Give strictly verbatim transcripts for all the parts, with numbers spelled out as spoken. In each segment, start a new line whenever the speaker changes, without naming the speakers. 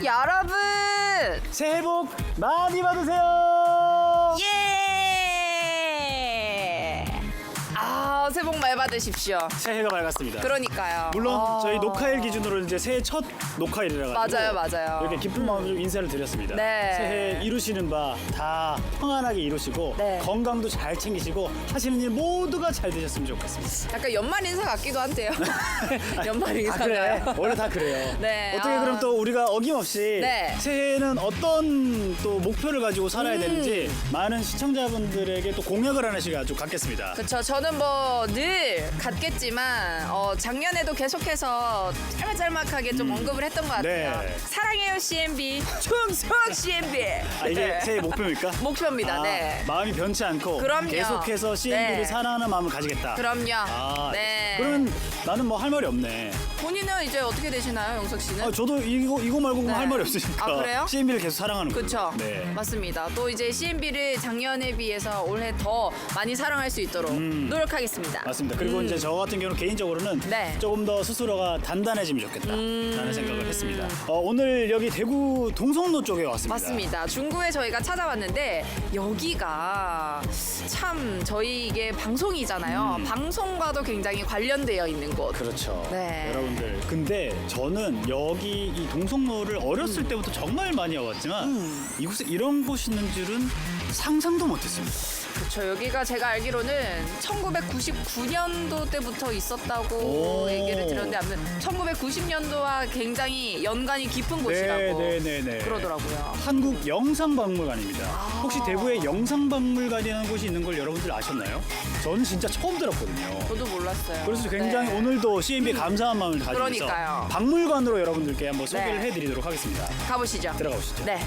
여러분
새해 복 많이 받으세요.
예! 아 새해 복 많이 받으십시오.
새해가 밝았습니다.
그러니까요.
물론
아.
저희 녹화일 기준으로 이제 새해 첫 녹화일이라 가지고
맞아요, 맞아요.
이렇게 기쁜 마음으로 인사를 드렸습니다.
네.
새해 이루시는 바 다 평안하게 이루시고
네.
건강도 잘 챙기시고 하시는 일 모두가 잘 되셨으면 좋겠습니다.
약간 연말 인사 같기도 한데요. 연말
아, 그래.
인사가요.
원래 다 그래요.
네.
어떻게
아.
그럼 또 우리가 어김없이
네.
새해에는 어떤 또 목표를 가지고 살아야
음.
되는지 많은 시청자분들에게 또 공약을 하나씩 아주 갖겠습니다.
그렇죠. 저는 뭐 늘 같겠지만 어, 작년에도 계속해서 짤막짤막하게 좀 언급을 했던 것 같아요.
네.
사랑해요 씨엠비, 충성 씨엠비.
아, 이게
네.
새해 목표입니까?
목표입니다.
아,
네.
마음이 변치 않고
그럼요.
계속해서 씨엠비를
네.
사랑하는 마음을 가지겠다.
그럼요.
아,
네.
그러면 나는 뭐 할 말이 없네.
본인은 이제 어떻게 되시나요, 영석 씨는?
아, 저도 이거 이거 말고
네.
할 말이 없으니까.
아, 그래요?
씨엠비를 계속 사랑하는 거죠.
그렇죠.
네.
맞습니다. 또 이제 씨엠비를 작년에 비해서 올해 더 많이 사랑할 수 있도록
음.
노력하겠습니다.
맞습니다. 그리고
음.
이제 저 같은 경우는 개인적으로는
네.
조금 더 스스로가 단단해지면 좋겠다라는
음.
생각을 했습니다. 어, 오늘 여기 대구 동성로 쪽에 왔습니다.
맞습니다. 중구에 저희가 찾아왔는데 여기가 참 저희 이게 방송이잖아요.
음.
방송과도 굉장히 관련되어 있는 곳.
그렇죠.
네.
여러분들. 근데 저는 여기 이 동성로를 어렸을
음.
때부터 정말 많이 와봤지만 이곳에 이런 곳이 있는 줄은 상상도 못했습니다.
그렇죠. 여기가 제가 알기로는 천구백구십구 년도 때부터 있었다고
오.
얘기를 들었는데 아무튼 천구백구십 년도와 굉장히 연관이 깊은 곳이라고
네, 네, 네, 네.
그러더라고요.
한국 영상박물관입니다.
아.
혹시 대구에 영상박물관이라는 곳이 있는 걸 여러분들 아셨나요? 저는 진짜 처음 들었거든요.
저도 몰랐어요.
그래서 굉장히
네.
오늘도 씨엠비에 감사한 마음을 가지면서
그러니까요.
박물관으로 여러분들께 한번 소개를
네.
해드리도록 하겠습니다.
가보시죠.
들어가 보시죠.
네.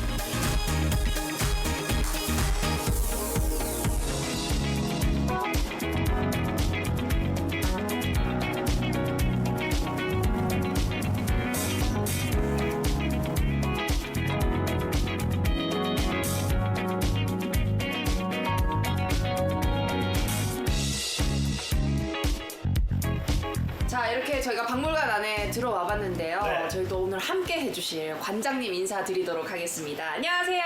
자 이렇게 저희가 박물관 안에 들어와 봤는데요.
네.
저희도 오늘 함께 해주실 관장님 인사드리도록 하겠습니다. 안녕하세요.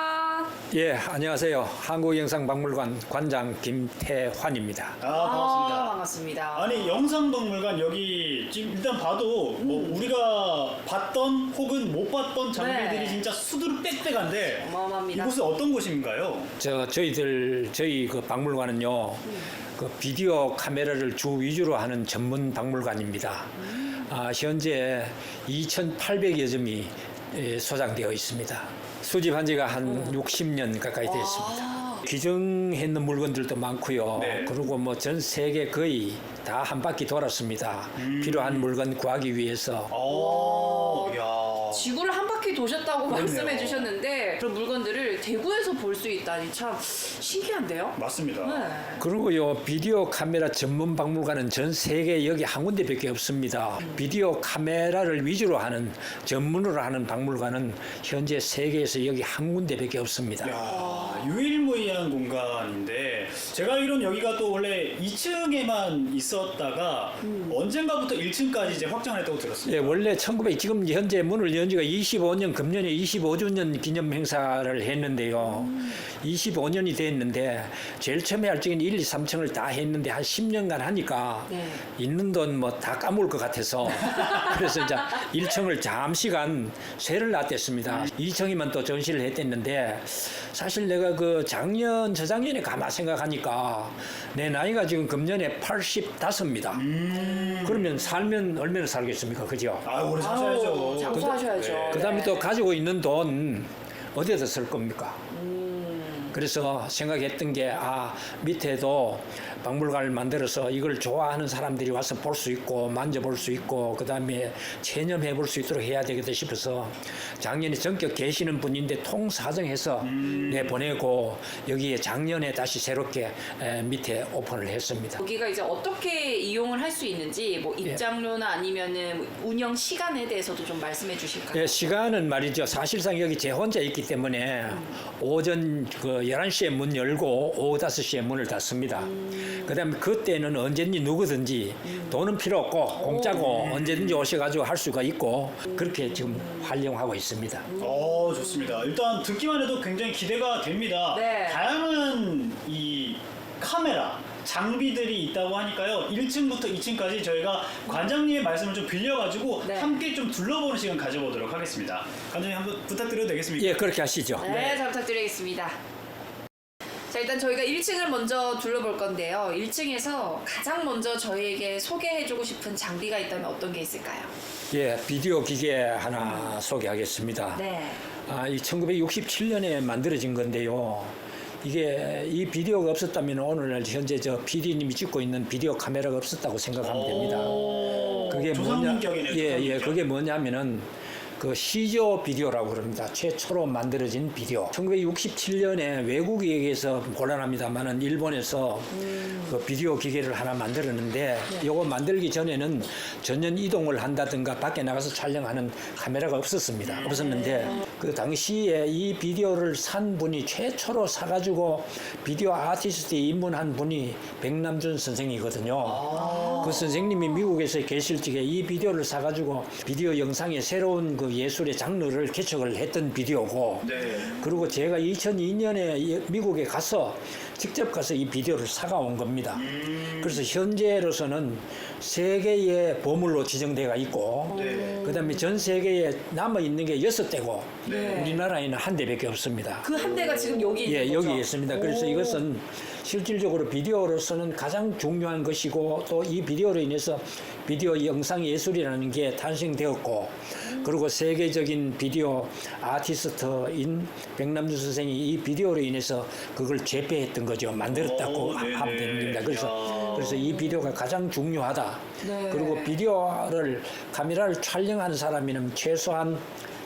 예, 안녕하세요. 한국영상박물관 관장 김태환입니다.
아, 반갑습니다.
아, 반갑습니다.
아니 영상박물관 여기 지금 일단 봐도 뭐 우리가 봤던 혹은 못 봤던 장비들이
네.
진짜 수두룩 빽빽한데
어마어마합니다.
이곳은 어떤 곳인가요?
저 저희들 저희 그 박물관은요, 그 비디오 카메라를 주 위주로 하는 전문 박물관입니다. 아, 현재 이천팔백여 점이 예, 소장되어 있습니다. 수집한 지가 한 육십 년 가까이 됐습니다. 귀정했는 물건들도 많고요.
네.
그리고 뭐 전 세계 거의 다 한 바퀴 돌았습니다. 필요한 물건 구하기 위해서.
오, 야.
지구를 한 바퀴 도셨다고
그렇네요.
말씀해 주셨는데 그런 물건들을 대구에서 볼 수 있다니 참 신기한데요?
맞습니다.
네.
그리고요, 비디오 카메라 전문 박물관은 전 세계 여기 한 군데밖에 없습니다. 비디오 카메라를 위주로 하는 전문으로 하는 박물관은 현재 세계에서 여기 한 군데밖에 없습니다.
야, 유일무이한 공간인데 제가 알기로는 여기가 또 원래 이 층에만 있었다가 언젠가부터 일 층까지 이제 확장을 했다고 들었습니다.
예, 원래 천구백 지금 현재 문을 연 지가 이십오 년, 금년에 이십오 주년 기념 행사를 했는데요. 이십오 년이 됐는데 제일 처음에 할 적엔 일, 이, 삼 층을 다 했는데 한 십 년간 하니까
네.
있는 돈 뭐 다 까먹을 것 같아서 그래서 이제 일 층을 잠시간 쇠를 놨댔습니다. 이 층이면 또 전시를 했댔는데 사실 내가 그 작년, 저작년에 가만 생각하니까 내 나이가 지금 금년에 팔십오입니다.
음.
그러면 살면 얼마나 살겠습니까? 그죠?
아, 오래
아우,
사셔야죠.
장수하셔야죠.
네.
그 다음에
네.
또 가지고 있는 돈 어디에다 쓸 겁니까? 그래서 생각했던 게, 아, 밑에도 박물관을 만들어서 이걸 좋아하는 사람들이 와서 볼 수 있고, 만져볼 수 있고, 그 다음에 체념해 볼 수 있도록 해야 되겠다 싶어서 작년에 전격 계시는 분인데 통사정해서
음.
내보내고, 여기에 작년에 다시 새롭게 에, 밑에 오픈을 했습니다.
여기가 이제 어떻게 이용을 할 수 있는지 뭐 입장료나 아니면은 운영 시간에 대해서도 좀 말씀해 주실까요?
예, 시간은 말이죠. 사실상 여기 제 혼자 있기 때문에 오전 그 열한 시에 문 열고 오후 다섯 시에 문을 닫습니다.
음.
그다음에 그때는 언제든지 누구든지 돈은 필요 없고 공짜고 언제든지 오셔가지고 할 수가 있고 그렇게 지금 활용하고 있습니다.
어, 좋습니다. 일단 듣기만 해도 굉장히 기대가 됩니다.
네.
다양한 이 카메라 장비들이 있다고 하니까요. 일 층부터 이 층까지 저희가 관장님의 말씀을 좀 빌려가지고
네.
함께 좀 둘러보는 시간 가져보도록 하겠습니다. 관장님 한번 부탁드려도 되겠습니까?
예, 그렇게 하시죠.
네,
네.
잘 부탁드리겠습니다. 자, 일단 저희가 일 층을 먼저 둘러볼 건데요. 일 층에서 가장 먼저 저희에게 소개해주고 싶은 장비가 있다면 어떤 게 있을까요?
예, 비디오 기계 하나 소개하겠습니다.
네.
아, 이 천구백육십칠 년에 만들어진 건데요. 이게 이 비디오가 없었다면 오늘날 현재 저 피디님이 찍고 있는 비디오 카메라가 없었다고 생각하면 됩니다.
오,
그게 뭐냐?
조상민격이네요.
예, 예,
조상민격.
그게 뭐냐면은 그 시조 비디오라고 그럽니다. 최초로 만들어진 비디오. 천구백육십칠 년에 외국에 의해서 곤란합니다만은 일본에서 그 비디오 기계를 하나 만들었는데 요거 만들기 전에는 전연 이동을 한다든가 밖에 나가서 촬영하는 카메라가 없었습니다. 없었는데 그 당시에 이 비디오를 산 분이 최초로 사가지고 비디오 아티스트에 입문한 분이 백남준 선생이거든요. 그 선생님이 미국에서 계실 적에 이 비디오를 사가지고 비디오 영상의 새로운 그 예술의 장르를 개척을 했던 비디오고
네.
그리고 제가 이천이 년에 미국에 가서 직접 가서 이 비디오를 사가 온 겁니다.
음,
그래서 현재로서는 세계의 보물로 지정되어 있고
네.
그다음에 전 세계에 남아 있는 게 여섯 대고
네.
우리나라에는 한 대밖에 없습니다.
그 한 대가 지금 여기 있는
예,
거죠?
여기 있습니다. 그래서
오.
이것은 실질적으로 비디오로서는 가장 중요한 것이고 또 이 비디오로 인해서 비디오 영상 예술이라는 게 탄생되었고 그리고 세계적인 비디오 아티스트인 백남준 선생이 이 비디오로 인해서 그걸 재배했던 거죠. 만들었다고
오, 네네.
하면 됩니다. 그래서
야.
그래서 이 비디오가 가장 중요하다.
네.
그리고 비디오를 카메라를 촬영하는 사람이면 최소한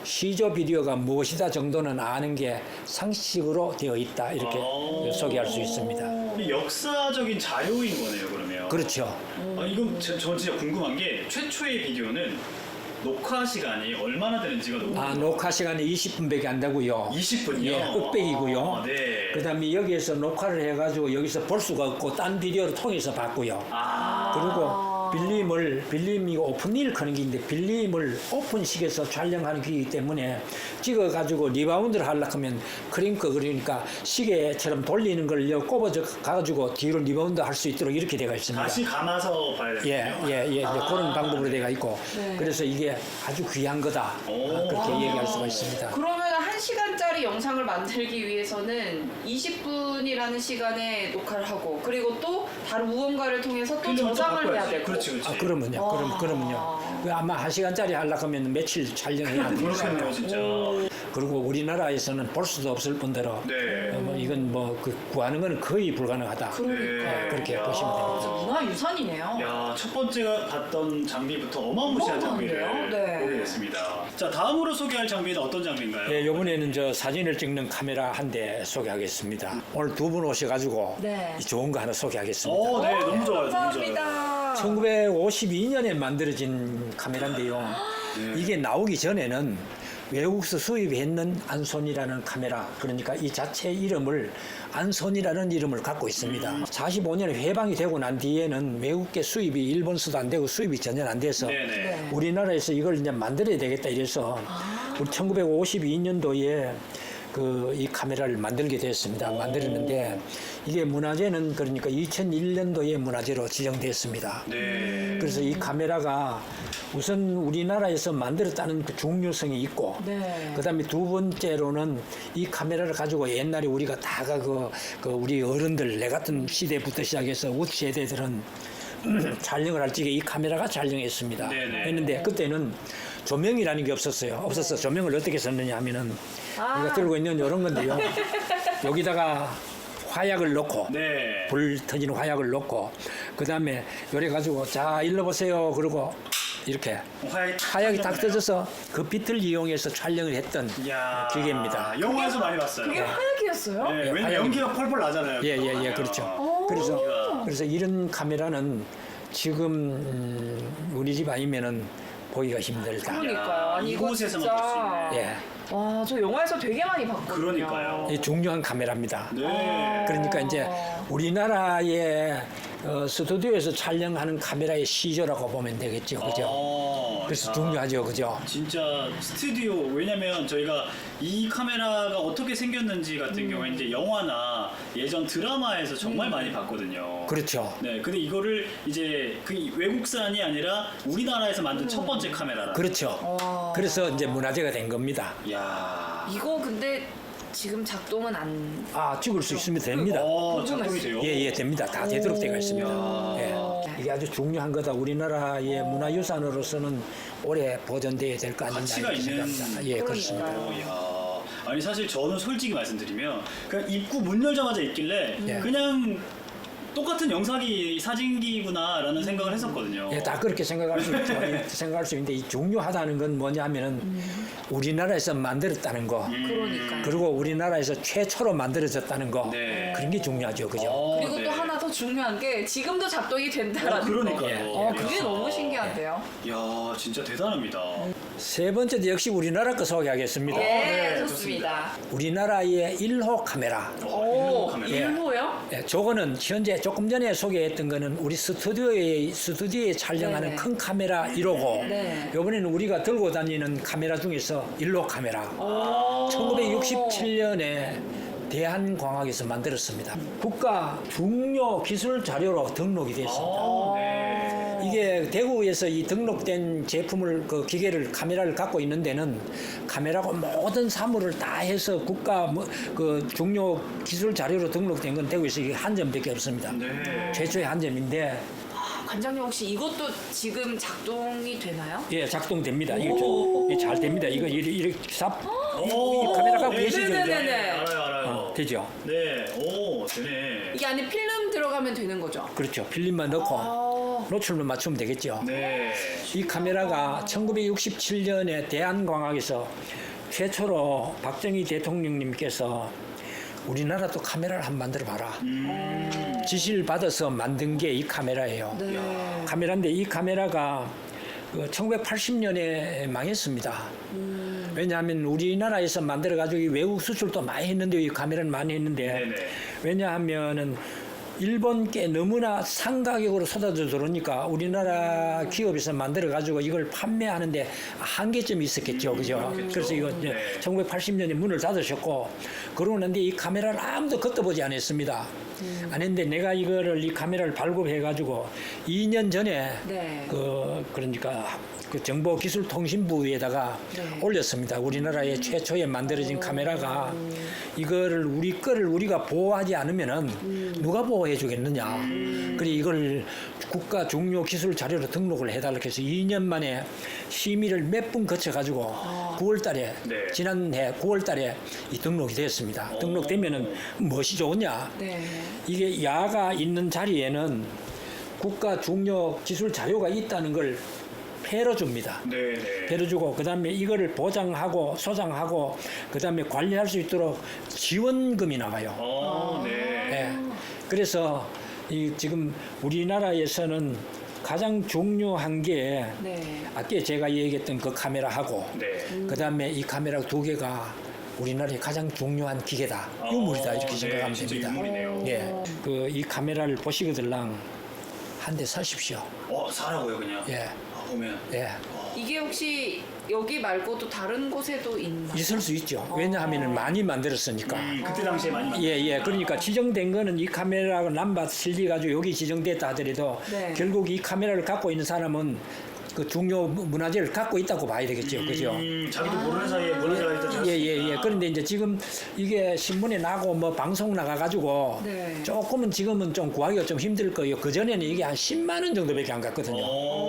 시조 비디오가 무엇이다 정도는 아는 게 상식으로 되어 있다 이렇게
아.
소개할 수 있습니다.
이 역사적인 자료인 거네요, 그러면.
그렇죠.
아, 이건 저, 저 진짜 궁금한 게 최초의 비디오는 녹화 시간이 얼마나 되는지가 너무
아 녹화 시간이 이십 분밖에 안 되고요.
이십 분이요?
예, 흑백이고요.
아, 네.
그다음에 여기에서 녹화를 해가지고 여기서 볼 수가 없고 딴 비디오를 통해서 봤고요.
아,
그리고 빌림을 빌림이 오픈일 크는 기인데 빌림을 오픈식에서 촬영하는 기이기 때문에 찍어가지고 리바운드를 하려고 하면 크링크 그러니까 시계처럼 돌리는 걸 여 꼽아져 가지고 뒤로 리바운드 할 수 있도록 이렇게 되어 있습니다.
다시 감아서 봐야 되는군요.
예, 예, 예, 이제
아.
그런 방법으로 되어 있고
네.
그래서 이게 아주 귀한 거다
오.
그렇게
아.
얘기할 수가 있습니다.
그러면 한 시간짜리 영상을 만들기 위해서는 이십 분이라는 시간에 녹화를 하고 그리고 또 다른 무언가를 통해서 또
필름을 또
저장을 해야
바꿔야지.
되고
그렇지, 그렇지.
아, 그러면요, 그럼
와.
그러면요. 그 아마 한 시간짜리 하려고 하면 며칠 촬영해야 됩니다.
그렇겠네요, 진짜.
그리고 우리나라에서는 볼 수도 없을 뿐더러
네.
어, 뭐 이건 뭐 그 구하는 건 거의 불가능하다.
그러니까
네, 그렇게
야.
보시면 됩니다.
진짜 문화유산이네요.
야, 첫 번째가 봤던 장비부터 어마무시한 장비를
어마어마한데요? 네.
보게 됐습니다. 자, 다음으로 소개할 장비는 어떤 장비인가요?
예, 이번에는 저 사진을 찍는 카메라 한 대 소개하겠습니다. 오늘 두 분 오셔가지고
네.
이 좋은 거 하나 소개하겠습니다.
오, 네, 너무 좋아요, 너무 좋아요.
감사합니다.
천구백오십이 년에 만들어진 카메라인데요.
네.
이게 나오기 전에는 외국에서 수입했는 안손이라는 카메라, 그러니까 이 자체 이름을 안손이라는 이름을 갖고 있습니다.
음.
사십오 년에 해방이 되고 난 뒤에는 외국계 수입이 일본서도 안 되고 수입이 전혀 안 돼서
네네.
네.
우리나라에서 이걸 이제 만들어야 되겠다 이래서 우리 천구백오십이 년도에 그 이 카메라를 만들게 됐습니다. 만들었는데 이게 문화재는 그러니까 이천일 년도에 문화재로 지정됐습니다.
네.
그래서 이 카메라가 우선 우리나라에서 만들었다는 그 중요성이 있고
네.
그다음에 두 번째로는 이 카메라를 가지고 옛날에 우리가 다가 그, 그 우리 어른들 내 같은 시대부터 시작해서 우리 세대들은 촬영을 할 적에 이 카메라가 촬영했습니다.
네네.
했는데 그때는 조명이라는 게 없었어요. 없었어. 조명을 어떻게 썼느냐 하면은
아.
우리가 들고 있는 이런 건데요. 여기다가 화약을 넣고
네.
불 터지는 화약을 넣고 그 다음에 요래 가지고 자 일러 보세요. 그러고 이렇게
화약이 탁
화약이 딱
터졌네요.
떠져서 그 빛을 이용해서 촬영을 했던
이야.
기계입니다.
영화에서 많이 봤어요.
그게 화약이었어요?
네,
예,
왜냐면
화약이-
연기가 펄펄 나잖아요.
예, 예, 예, 그렇죠.
오.
그래서
기가.
그래서 이런 카메라는 지금 음, 우리 집 아니면은 보기가 힘들다.
그러니까요. 아니 이거
이곳에서만
진짜.
볼 수 있네.
예.
와, 저 영화에서 되게 많이 봤거든요.
그러니까요.
이 중요한 카메라입니다.
네.
그러니까 이제 우리나라의 어, 스튜디오에서 촬영하는 카메라의 시조라고 보면 되겠죠, 그죠?
아,
그래서
야.
중요하죠, 그죠?
진짜 스튜디오, 왜냐면 저희가 이 카메라가 어떻게 생겼는지 같은
음.
경우에 이제 영화나 예전 드라마에서 정말 많이 봤거든요.
그렇죠.
네, 근데 이거를 이제 그 외국산이 아니라 우리나라에서 만든 첫 번째 카메라라.
그렇죠.
와.
그래서 이제 문화재가 된 겁니다.
야.
이거 근데 지금 작동은 안.
아, 찍을 수 있으면 됩니다.
어, 작동이 돼요?
예, 예, 됩니다. 다 되도록 되어 있습니다.
야.
예. 이게 아주 중요한 거다. 우리나라의 문화유산으로서는 오래 보존돼야 될 거 아닌가
가치가
이렇게
있는.
생각합니다. 예, 그렇습니다.
그러니까요.
어, 야. 아니 사실 저는 솔직히 말씀드리면 그냥 입구 문 열자마자 있길래
예.
그냥 똑같은 영상기 사진기구나라는 생각을 했었거든요.
예, 다 그렇게 생각할 수 있죠. 예, 생각할 수 있는데 이 중요하다는 건 뭐냐면은 우리나라에서 만들었다는 거,
음.
그러니까요.
그리고 우리나라에서 최초로 만들어졌다는 거,
네.
그런 게 중요하죠, 그죠?
어,
그리고
네.
또 하나 더 중요한 게 지금도 작동이 된다라는
어, 그러니까요.
거.
예.
어, 그게
야.
너무 신기한데요.
야, 진짜 대단합니다.
세 번째도 역시 우리나라 거 소개하겠습니다.
예,
네,
좋습니다.
우리나라의 일 호 카메라.
어,
오,
카메라.
일호요?
예, 저거는 현재 조금 전에 소개했던 거는 우리 스튜디오에 스튜디오에 촬영하는
네네.
큰 카메라 일 호고
네.
이번에는 우리가 들고 다니는 카메라 중에서 일 호 카메라.
오.
천구백육십칠 년에 대한광학에서 만들었습니다. 국가 중요 기술 자료로 등록이 됐습니다.
아, 네.
이게 대구에서 이 등록된 제품을 그 기계를 카메라를 갖고 있는 데는 카메라고 모든 사물을 다 해서 국가 뭐, 그 중요 기술 자료로 등록된 건 대구에서 이게 한 점밖에 없습니다.
네.
최초의 한 점인데
아, 관장님 혹시 이것도 지금 작동이 되나요?
예 작동됩니다. 이게, 좀- 이게 잘 됩니다. 이거 이렇게, 이렇게 삽
오,
이 카메라가
네,
계시죠? 그죠?
네네네네.
알아요, 알아요.
어, 되죠.
네, 오, 되네.
이게 안에 필름 들어가면 되는 거죠?
그렇죠. 필름만 넣고
아,
노출만 맞추면 되겠죠.
네.
이 카메라가 천구백육십칠 년에 대한광학에서 최초로 박정희 대통령님께서 우리나라도 카메라를 한번 만들어 봐라.
음.
지시를 받아서 만든 게 이 카메라예요.
네.
카메라인데 이 카메라가 그 천구백팔십 년에 망했습니다. 왜냐하면 우리나라에서 만들어 가지고 외국 수출도 많이 했는데 이 카메라는 많이 했는데
네네.
왜냐하면은 일본께 너무나 상가격으로 쏟아져 들어오니까 우리나라 기업에서 만들어 가지고 이걸 판매하는데 한계점이 있었겠죠, 그죠?
그렇겠죠.
그래서 이거 이제
네.
천구백팔십 년에 문을 닫으셨고 그러고 난데 이 카메라를 아무도 걷어보지 않았습니다. 안 했는데 내가 이거를 이 카메라를 발급해 가지고 이 년 전에
네.
그 그러니까 그 정보기술통신부에다가
네.
올렸습니다. 우리나라의 최초에 만들어진 카메라가 이거를 우리 거를 우리가 보호하지 않으면은 누가 보호해 주겠느냐. 그래 이걸 국가 중요 기술 자료로 등록을 해달라고 해서 이 년 만에 심의를 몇 분 거쳐 가지고 구월 달에
네.
지난해 구월 달에 이 등록이 됐습니다. 등록되면은 무엇이 좋으냐?
네.
이게 야가 있는 자리에는 국가 중요 기술 자료가 있다는 걸 패러 줍니다.
네네.
패러 주고 그다음에 이거를 보장하고 소장하고 그다음에 관리할 수 있도록 지원금이 나와요.
어, 네.
예. 그래서 이 지금 우리나라에서는 가장 중요한 게
네.
아까 제가 얘기했던 그 카메라하고
네.
그다음에 이 카메라 두 개가 우리나라의 가장 중요한 기계다. 유물이다 이렇게
어,
생각하면
네, 진짜
됩니다.
유물이네요.
예, 그 이 카메라를 보시거들랑 한 대 사십시오.
어, 사라고요, 그냥?
예,
아, 보면.
예,
이게 혹시 여기 말고도 다른 곳에도 있나요?
있을 수 있죠. 왜냐하면 많이 만들었으니까.
음, 그때 당시에 많이.
예, 예. 그러니까 지정된 거는 이 카메라가 남바 실리가지고 여기 지정됐다 하더라도
네.
결국 이 카메라를 갖고 있는 사람은 그 중요 문화재를 갖고 있다고 봐야 되겠죠. 그죠?
음, 자기도 모르는 사이에 문화재가 있다.
예, 예, 예. 그런데 이제 지금 이게 신문에 나고 뭐 방송 나가가지고
네.
조금은 지금은 좀 구하기가 좀 힘들 거예요. 그전에는 이게 한 십만 원 정도밖에 안 갔거든요.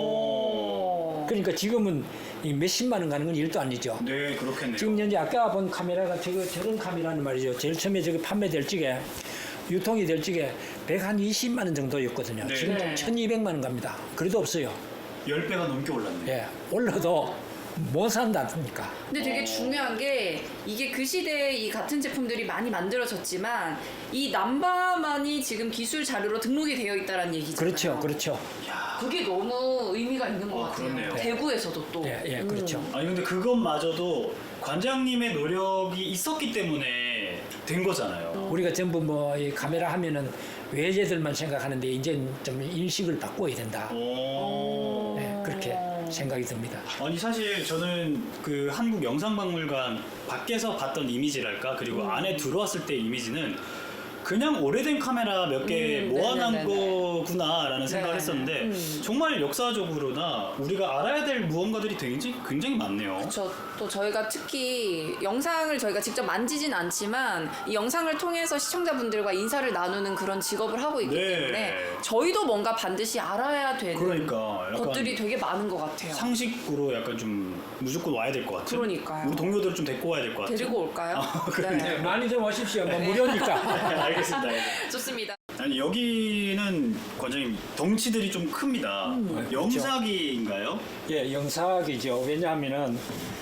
오.
그러니까 지금은 이 몇십만 원 가는 건 일도 아니죠.
네, 그렇겠네요.
지금 현재 아까 본 카메라가 저거 저런 카메라는 말이죠. 제일 처음에 저거 판매될 적에 유통이 될 적에 백이십만 원 정도였거든요.
네.
지금
네.
천이백만 원 갑니다. 그래도 없어요.
열 배가 넘게 올랐네.
예. 올라도 못 산다니까.
근데 되게 중요한 게 이게 그 시대에 이 같은 제품들이 많이 만들어졌지만 이 남바만이 지금 기술 자료로 등록이 되어 있다는 얘기잖아요.
그렇죠, 그렇죠.
그게 너무 의미가 있는 것
어,
같아요.
그렇네요.
대구에서도 또.
예, 예, 그렇죠.
아니 근데 그것마저도 관장님의 노력이 있었기 때문에 된 거잖아요.
우리가 전부 뭐 이 카메라 하면은 외제들만 생각하는데 이제 좀 인식을 바꿔야 된다.
오.
네, 그렇게 생각이 듭니다.
아니 사실 저는 그 한국 영상박물관 밖에서 봤던 이미지랄까 그리고 안에 들어왔을 때 이미지는 그냥 오래된 카메라 몇 개
음,
모아놓은
네네네네.
거구나라는 생각을
네.
했었는데
음.
정말 역사적으로나 우리가 알아야 될 무언가들이 굉장히, 굉장히 많네요.
저 또 저희가 특히 영상을 저희가 직접 만지진 않지만 이 영상을 통해서 시청자분들과 인사를 나누는 그런 직업을 하고 있기
네.
때문에 저희도 뭔가 반드시 알아야 되는
그러니까 약간
것들이 되게 많은 것 같아요.
상식으로 약간 좀 무조건 와야 될 것 같아요.
그러니까요.
우리 동료들 좀 데리고 와야 될 것 같아요.
데리고 올까요?
그래요?
네, 많이 좀 오십시오. 뭐 무료니까.
알겠습니다. 알겠습니다.
좋습니다.
아니 여기는 관장님 덩치들이 좀 큽니다.
음.
영사기인가요?
예, 영상이죠. 왜냐하면은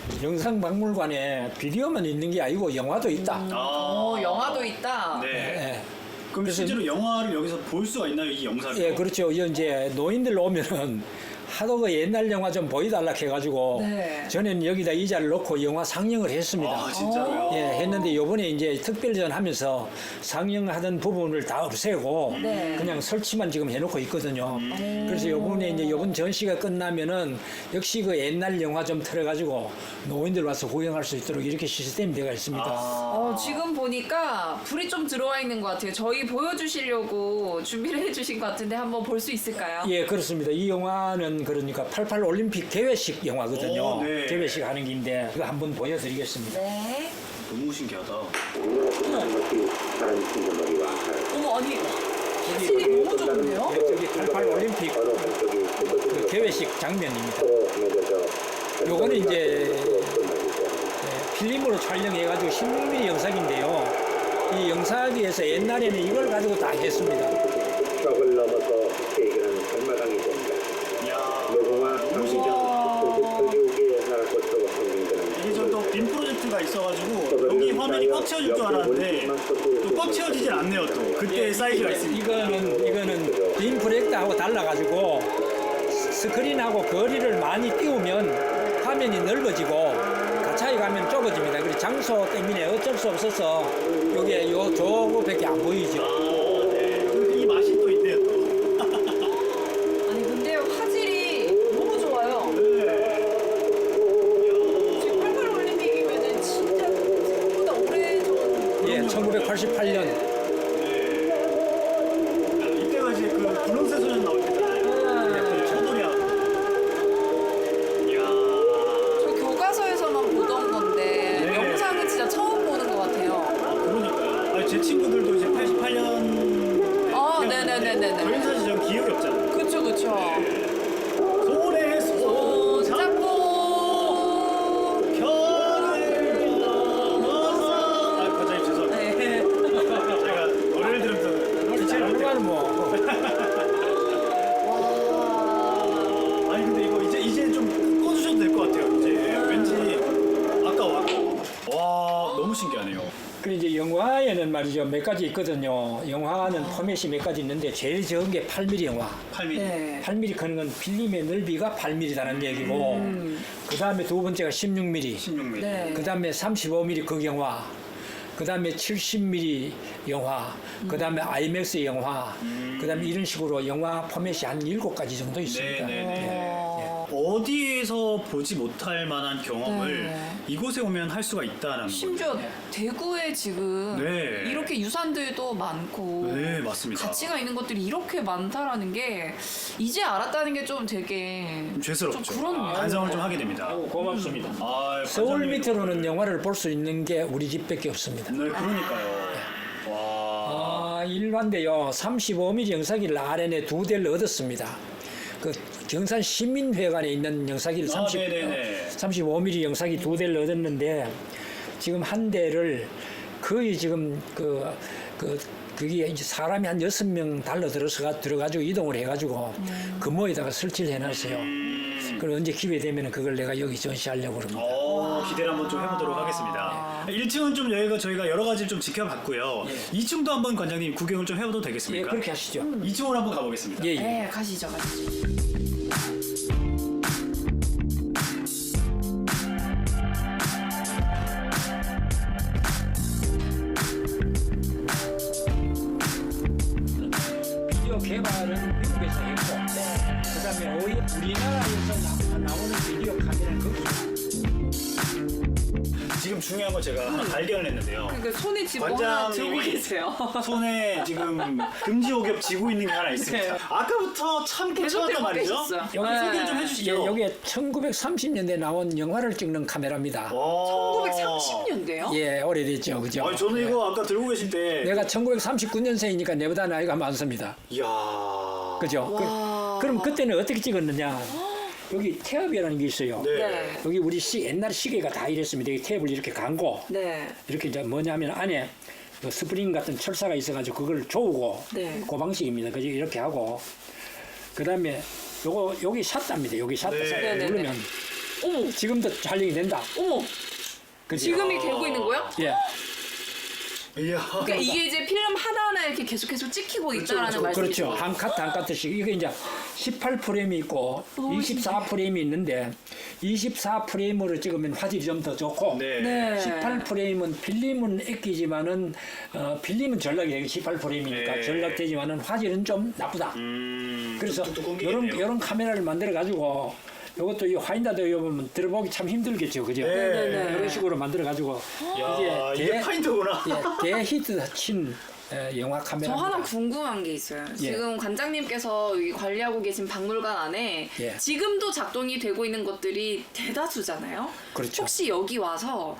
영상박물관에 비디오만 있는 게 아니고 영화도 있다.
아,
어, 영화도 있다.
네.
예,
그럼
그래서-
실제로 영화를 여기서 볼 수가 있나요, 이 영상이?
예, 그렇죠. 이제 노인들 오면은 하도 그 옛날 영화 좀 보여달라 해가지고
네.
저는 여기다 의자를 놓고 영화 상영을 했습니다.
아, 진짜로요?
예, 했는데 요번에 이제 특별전 하면서 상영하던 부분을 다 없애고
네.
그냥 설치만 지금 해놓고 있거든요.
음.
그래서 요번에 이제 요번 전시가 끝나면은 역시 그 옛날 영화 좀 틀어가지고 노인들 와서 구경할 수 있도록 이렇게 시스템이 되어 있습니다.
아,
어, 지금 보니까 불이 좀 들어와 있는 것 같아요. 저희 보여주시려고 준비를 해주신 것 같은데 한번 볼 수 있을까요?
예, 그렇습니다. 이 영화는 그러니까 팔십팔 올림픽 개회식 영화거든요.
오, 네.
개회식 하는 긴데 그거 한번 보여드리겠습니다.
네.
너무 신기하다.
어머, 아니, 화질이 너무 좋은데요?
예, 저기 팔십팔 올림픽 그 개회식 장면입니다. 요거는 이제 예, 필름으로 촬영해가지고 십육 밀리미터 영상인데요. 이 영상에서 옛날에는 이걸 가지고 다 했습니다.
벽을 넘어서 세계는 갈마당이 된다.
이야,
노동화
너무 신기하다.
교육의 나라 것으로 성공되는
이게 저또빔 프로젝트가 있어가지고 여기 화면이 꽉 채워질 줄 알았는데 또 꽉 채워지진 않네요 또. 그때 사이즈가 있으니까.
이거는 이거는 빔 프로젝트하고 달라가지고 스크린하고 거리를 많이 띄우면 화면이 넓어지고 가차에 가면 좁아집니다. 그리고 장소 때문에 어쩔 수 없어서 여기에 요 저거밖에 안 보이죠.
아, 네. 이 맛이 또 있네요 또.
아니, 근데 화질이 너무 좋아요. 지금 팔십팔 올림픽이면은 진짜 생각보다 오래전.
예, 천구백팔십팔 년.
이때가 이제 그 분홍새 소년 나올 때잖아요. 네, 차돌이하고. 이야.
저 교과서에서만 보던 건데
네.
영상은 진짜 처음 보는 것 같아요.
그러니까요. 아니, 제 친구들도 이제 팔십팔 년.
아, 네네네네네.
저희는 사실 전 기억이 없잖아요.
그쵸, 그쵸.
손에 손 잡고
잡고.
별을 넘어서. 아, 과장님 죄송합니다.
네.
제가 노래를 들으면서 기체를 못
그거는 뭐
와.
아니 근데 이거 이제 이제 좀 꺼주셔도 될 것 같아요. 이제 왠지 아까워. 와 너무 신기하네요.
그 이제 영화에는 말이죠 몇 가지 있거든요. 영화는 포맷이 몇 가지 있는데 제일 적은 게 팔 밀리미터 영화.
팔 밀리미터.
네.
팔 밀리미터 크는 건 필름의 넓이가 팔 밀리미터라는 얘기고 그 다음에 두 번째가 십육 밀리미터
십육 밀리미터.
네.
그 다음에 삼십오 밀리미터 극영화 그 다음에 칠십 밀리미터 영화 그 다음에 아이맥스 영화 그 다음에 이런 식으로 영화 포맷이 한 일곱 가지 정도 있습니다.
네네네. 어디에서 보지 못할 만한 경험을
네.
이곳에 오면 할 수가 있다는
심지어
거죠.
대구에 지금
네.
이렇게 유산들도 많고
네 맞습니다.
가치가 있는 것들이 이렇게 많다라는 게 이제 알았다는 게 좀 되게
좀 죄스럽죠.
좀 그렇네요.
반성을 좀 하게 됩니다.
고맙습니다.
아,
서울
반성이-
밑으로는 영화를 볼 수 있는 게 우리 집밖에 없습니다.
네 그러니까요. 와.
아, 일반데요. 삼십오 밀리미터 영상기를 알엔에 두 대를 얻었습니다. 그 경산 시민회관에 있는 영상기를
아,
삼십,
네네네.
삼십오 밀리미터 영상기 두 대를 얻었는데 지금 한 대를 거의 지금 그, 그, 그게 이제 사람이 한 여섯 명 달러 들어서 들어가지고 이동을 해가지고 금호에다가 설치를 해놨어요. 그리고 언제 기회 되면 그걸 내가 여기 전시하려고 그럽니다.
어, 기대를 한번 좀 해보도록 하겠습니다. 일 층은 좀 여기가 저희가 여러 가지를 좀 지켜봤고요. 이 층도 한번 관장님 구경을 좀 해봐도
예,
되겠습니까?
그렇게 하시죠.
이 층으로 한번 가보겠습니다.
예, 예.
네, 가시죠, 가시죠.
비디오 개발은 미국에서 했고, 그다음에 오히려 우리나라에서 나, 나오는 비디오 카메라는 거기.
지금 중요한 건 제가 하나 발견을 했는데요.
그러니까 손에 지금 뭐 하나 들고
관장님이
계세요.
손에 지금 금지 오겹 쥐고 있는 게 하나 있습니다.
네.
아까부터 참
계속
괜찮았단
들고
말이죠.
계셨어요.
여기
네.
소개를 좀
예,
해주시죠.
여기 천구백삼십 년대 나온 영화를 찍는 카메라입니다.
천구백삼십 년대요?
예, 오래됐죠, 그죠?
아니 저는
예.
이거 아까 들고 계실 때
내가 천구백삼십구 년생이니까 내보다 나이가 많습니다.
이야
그죠? 그, 그럼 그때는 어떻게 찍었느냐? 여기 태엽이라는 게 있어요.
네.
네.
여기 우리 시, 옛날 시계가 다 이랬습니다. 여기 태엽을 이렇게 감고
네.
이렇게 이제 뭐냐면 안에 그 스프링 같은 철사가 있어가지고 그걸 조우고
네.
그 방식입니다. 그죠? 이렇게 하고 그 다음에 요거 여기 샷다입니다. 여기 샷다
네.
샷다
네네네.
누르면
어머,
지금도 촬영이 된다.
어머.
그죠?
지금이 되고 있는 거요?
예.
이야
그러니까 이게 이제 필름 하나하나 이렇게 계속해서 찍히고 있다라는
그렇죠.
말씀이죠.
한 카트 한 카트씩 이게 이제 십팔 프레임이 있고
너무
이십사 프레임이 있는데 이십사 프레임으로 찍으면 화질이 좀 더 좋고
네.
네.
십팔 프레임은 필름은 애끼지만은 어, 필름은 전락이 십팔 프레임이니까
네.
전락되지만은 화질은 좀 나쁘다.
음,
그래서
뚝뚝
이런
끊기겠네요.
이런 카메라를 만들어 가지고 이것도 이 화인다도 보면 들어보기 참 힘들겠죠, 그죠?
네.
네네네.
이런 식으로 만들어 가지고
야, 이게 파인더구나.
예, 대히트 친 에, 영화
저
카메라.
하나 궁금한 게 있어요.
예.
지금 관장님께서 여기 관리하고 계신 박물관 안에
예.
지금도 작동이 되고 있는 것들이 대다수잖아요.
그렇죠.
혹시 여기 와서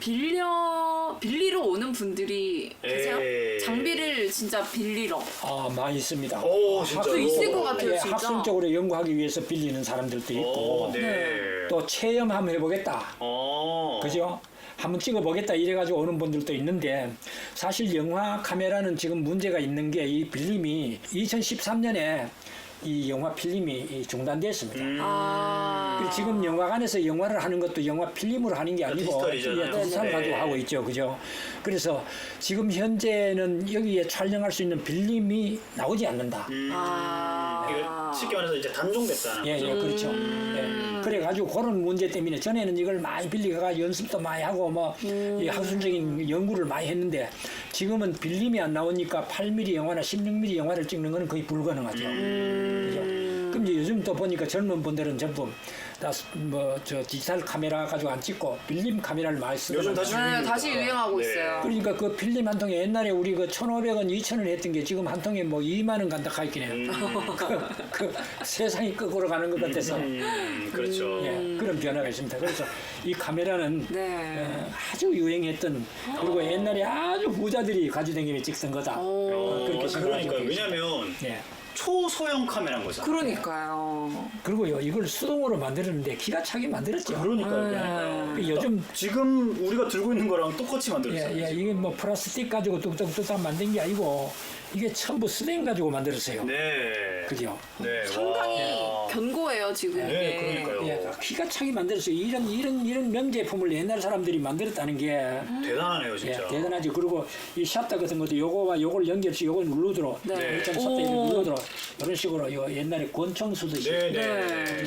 빌려 빌리러 오는 분들이 계세요?
에이.
장비를 진짜 빌리러.
아, 많이 있습니다.
오, 진짜요?
또 있을 것 같아요,
예,
진짜.
학술적으로 연구하기 위해서 빌리는 사람들도 있고
오, 네.
또 체험 한번 해보겠다.
어.
그죠? 한번 찍어보겠다 이래가지고 오는 분들도 있는데 사실 영화 카메라는 지금 문제가 있는 게 이 필름이 이천십삼 년에 이 영화 필름이 이 중단됐습니다.
음.
아.
그리고 지금 영화관에서 영화를 하는 것도 영화 필름으로 하는 게 아니고
디지털이잖아요.
예, 디지털
네.
가지고 하고 있죠, 그죠? 그래서 지금 현재는 여기에 촬영할 수 있는 필름이 나오지 않는다.
음.
아.
이거 쉽게 말해서 이제 단종됐다는
예,
거죠.
예, 그렇죠.
음.
예. 그래가지고 그런 문제 때문에 전에는 이걸 많이 빌리가 연습도 많이 하고 뭐
음.
이 학술적인 연구를 많이 했는데 지금은 빌림이 안 나오니까 팔 밀리미터 영화나 십육 밀리미터 영화를 찍는 거는 거의 불가능하죠.
음.
그죠? 그럼 이제 요즘 또 보니까 젊은 분들은 전부 다 뭐 저 디지털 카메라 가지고 안 찍고 빌림 카메라를 많이
요즘
쓰더라고요.
다시
네,
유행입니다.
다시 유행하고
네.
있어요.
그러니까 그 필름 한 통에 옛날에 우리 그 천오백 원, 이천 원 했던 게 지금 한 통에 뭐 이만 원 간다 하있긴 해요.
음.
그, 그 세상이 거꾸로 가는 것 같아서.
음, 그렇죠.
예, 그런 변화가 있습니다. 그래서 이 카메라는
네.
어, 아주 유행했던 그리고 옛날에 아주 부자들이 가지고 다니며 찍던 거다.
오.
어,
그렇게 생각하시면
그러니까
되겠습니다.
왜냐면
예.
초소형 카메라인 거잖아요.
그러니까요.
그리고요 이걸 수동으로 만들었는데 기가 차게 만들었죠.
그러니까요.
네.
그러니까요.
그 요즘
지금 우리가 들고 있는 거랑 똑같이 만들었어요.
예, 예, 이게 뭐 플라스틱 가지고 뚝딱뚝딱 만든 게 아니고 이게 전부 스텐 가지고 만들었어요.
네.
그죠?
네.
상당히
와.
견고해요 지금
네,
이게.
그러니까요.
예, 기가 차게 만들었어요. 이런 이런 이런 명제품을 옛날 사람들이 만들었다는 게
대단하네요,
예,
진짜.
대단하죠. 그리고 이 샷다 같은 것도 요거와 요걸 연결시 요걸 누르도록
네.
일점 샷다
오.
누르도록 이런 식으로 요 옛날에 권총 쓰듯이
네, 네.
네.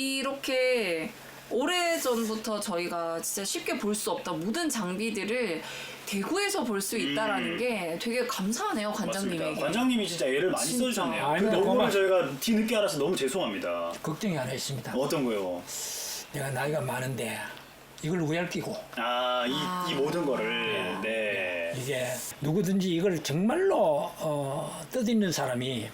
이렇게 오래 전부터 저희가 진짜 쉽게 볼 수 없던 모든 장비들을 대구에서 볼 수 있다라는
음.
게 되게 감사하네요
맞습니다.
관장님에게.
관장님이 진짜 애를 많이
진짜.
써주셨네요.
아닙니다.
그 너무나
고마워.
저희가 뒤늦게 알아서 너무 죄송합니다.
걱정이 하나 있습니다.
어떤 거요?
내가 나이가 많은데 이걸 우열 끼고
아, 이,
아.
이 모든 거를. 네.
이게 누구든지 이걸 정말로 어, 뜻있는 사람이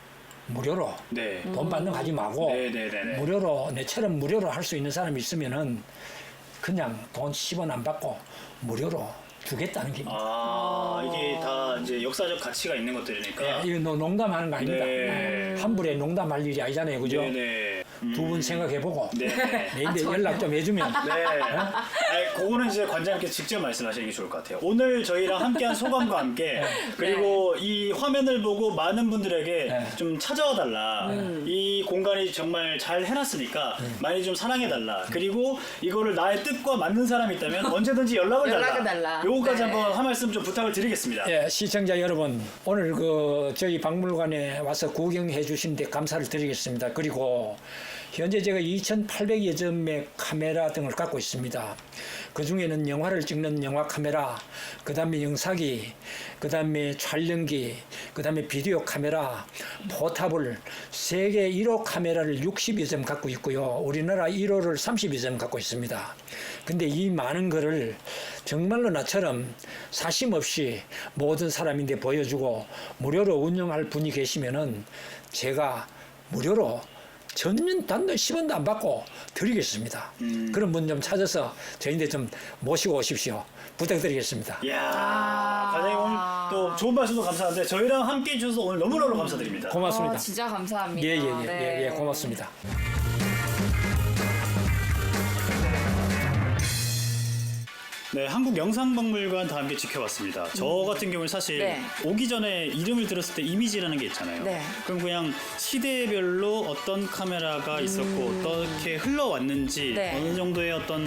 무료로
네.
돈 받는 거 하지 말고
네, 네, 네, 네.
무료로 내처럼 무료로 할 수 있는 사람이 있으면은 그냥 돈 십 원 안 받고 무료로 주겠다는 겁니다.
아, 이게 다 이제 역사적 가치가 있는 것들이니까.
예, 이거 노- 농담하는 거 아닙니다.
네.
함부로 농담할 일이 아니잖아요, 그죠?
네네.
두 분 생각해보고
네.
내인데
아,
연락 좀 해주면.
네. 아니, 그거는 이제 관장님께 직접 말씀하시는 게 좋을 것 같아요. 오늘 저희랑 함께한 소감과 함께 그리고 이 화면을 보고 많은 분들에게
네.
좀 찾아와 달라. 이 공간이 정말 잘 해놨으니까 많이 좀 사랑해 달라. 그리고 이거를 나의 뜻과 맞는 사람이 있다면 언제든지 연락을 달라.
연락을 달라.
요거까지
네.
한번 한 말씀 좀 부탁을 드리겠습니다.
예, 시청자 여러분, 오늘 그 저희 박물관에 와서 구경해 주신데 감사를 드리겠습니다. 그리고 현재 제가 이천팔백여 점의 카메라 등을 갖고 있습니다. 그 중에는 영화를 찍는 영화 카메라, 그 다음에 영상기, 그 다음에 촬영기, 그 다음에 비디오 카메라, 포탑을 세계 일 호 카메라를 육십여 점 갖고 있고요. 우리나라 일 호를 삼십여 점 갖고 있습니다. 근데 이 많은 거를 정말로 나처럼 사심 없이 모든 사람인데 보여주고 무료로 운영할 분이 계시면은 제가 무료로 전년 단돈 십 원도 안 받고 드리겠습니다.
음.
그런 분 좀 찾아서 저희한테 좀 모시고 오십시오. 부탁드리겠습니다.
이야,
아.
과장님 오늘 또 좋은 말씀도 감사한데 저희랑 함께 해주셔서 오늘 너무너무 감사드립니다.
고맙습니다.
어, 진짜 감사합니다.
예, 예, 예,
네.
예, 예, 고맙습니다.
네, 한국영상박물관 다 함께 지켜봤습니다. 저 같은 경우는 사실
네.
오기 전에 이름을 들었을 때 이미지라는 게 있잖아요.
네.
그럼 그냥 시대별로 어떤 카메라가 있었고 어떻게 흘러왔는지
네.
어느 정도의 어떤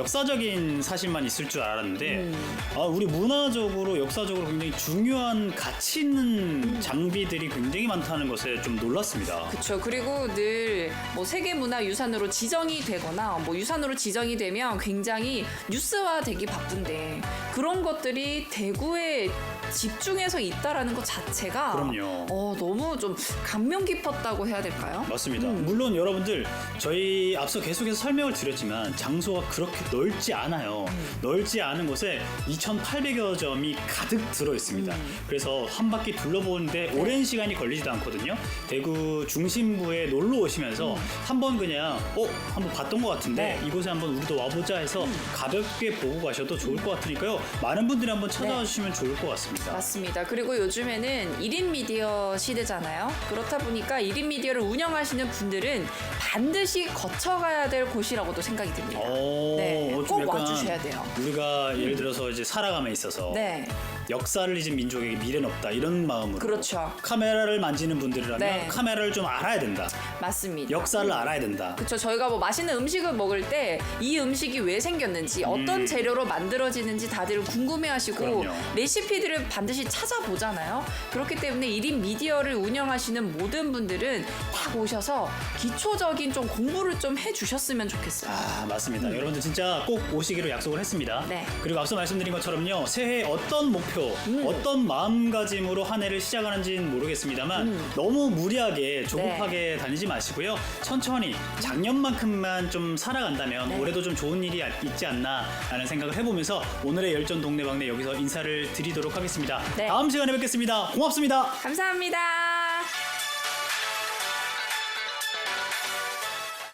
역사적인 사실만 있을 줄 알았는데
음.
아, 우리 문화적으로 역사적으로 굉장히 중요한 가치 있는 장비들이 굉장히 많다는 것에 좀 놀랐습니다.
그렇죠. 그리고 늘 뭐 세계문화유산으로 지정이 되거나 뭐 유산으로 지정이 되면 굉장히 뉴스화 되기 바쁜데 그런 것들이 대구에 집중해서 있다라는 것 자체가
그럼요.
어, 너무 좀 감명 깊었다고 해야 될까요?
맞습니다.
음.
물론 여러분들 저희 앞서 계속해서 설명을 드렸지만 장소가 그렇게 넓지 않아요.
음.
넓지 않은 곳에 이천팔백여 점이 가득 들어 있습니다.
음.
그래서 한 바퀴 둘러보는데
네.
오랜 시간이 걸리지도 않거든요. 대구 중심부에 놀러 오시면서
음.
한번 그냥 어 한번 봤던 것 같은데
네.
이곳에 한번 우리도 와보자 해서 가볍게 보고 가셔도 좋을 것 같으니까요. 많은 분들이 한번 찾아와
네.
주시면 좋을 것 같습니다.
맞습니다. 그리고 요즘에는 일 인 미디어 시대잖아요. 그렇다 보니까 일 인 미디어를 운영하시는 분들은 반드시 거쳐가야 될 곳이라고도 생각이 듭니다.
오,
네,
좀
꼭
약간
와주셔야 돼요.
우리가 예를 들어서 이제 살아감에 있어서
네,
역사를 잊은 민족에게 미래는 없다 이런 마음으로
그렇죠.
카메라를 만지는 분들이라면
네.
카메라를 좀 알아야 된다.
맞습니다.
역사를 알아야 된다.
그렇죠. 저희가 뭐 맛있는 음식을 먹을 때 이 음식이 왜 생겼는지 어떤
음.
재료로 만들어지는지 다들 궁금해하시고
그럼요.
레시피들을 반드시 찾아보잖아요. 그렇기 때문에 일 인 미디어를 운영하시는 모든 분들은 딱 오셔서 기초적인 좀 공부를 좀 해주셨으면 좋겠어요.
아 맞습니다. 여러분들 진짜 꼭 오시기로 약속을 했습니다.
음. 네.
그리고 앞서 말씀드린 것처럼요. 새해 어떤 목표,
음.
어떤 마음가짐으로 한 해를 시작하는지는 모르겠습니다만
음.
너무 무리하게 조급하게
네.
다니지 마시고요. 천천히 작년만큼만 좀 살아간다면
네.
올해도 좀 좋은 일이 있지 않나 라는 생각을 해보면서 오늘의 열전 동네방네 여기서 인사를 드리도록 하겠습니다.
네.
다음 시간에 뵙겠습니다. 고맙습니다.
감사합니다.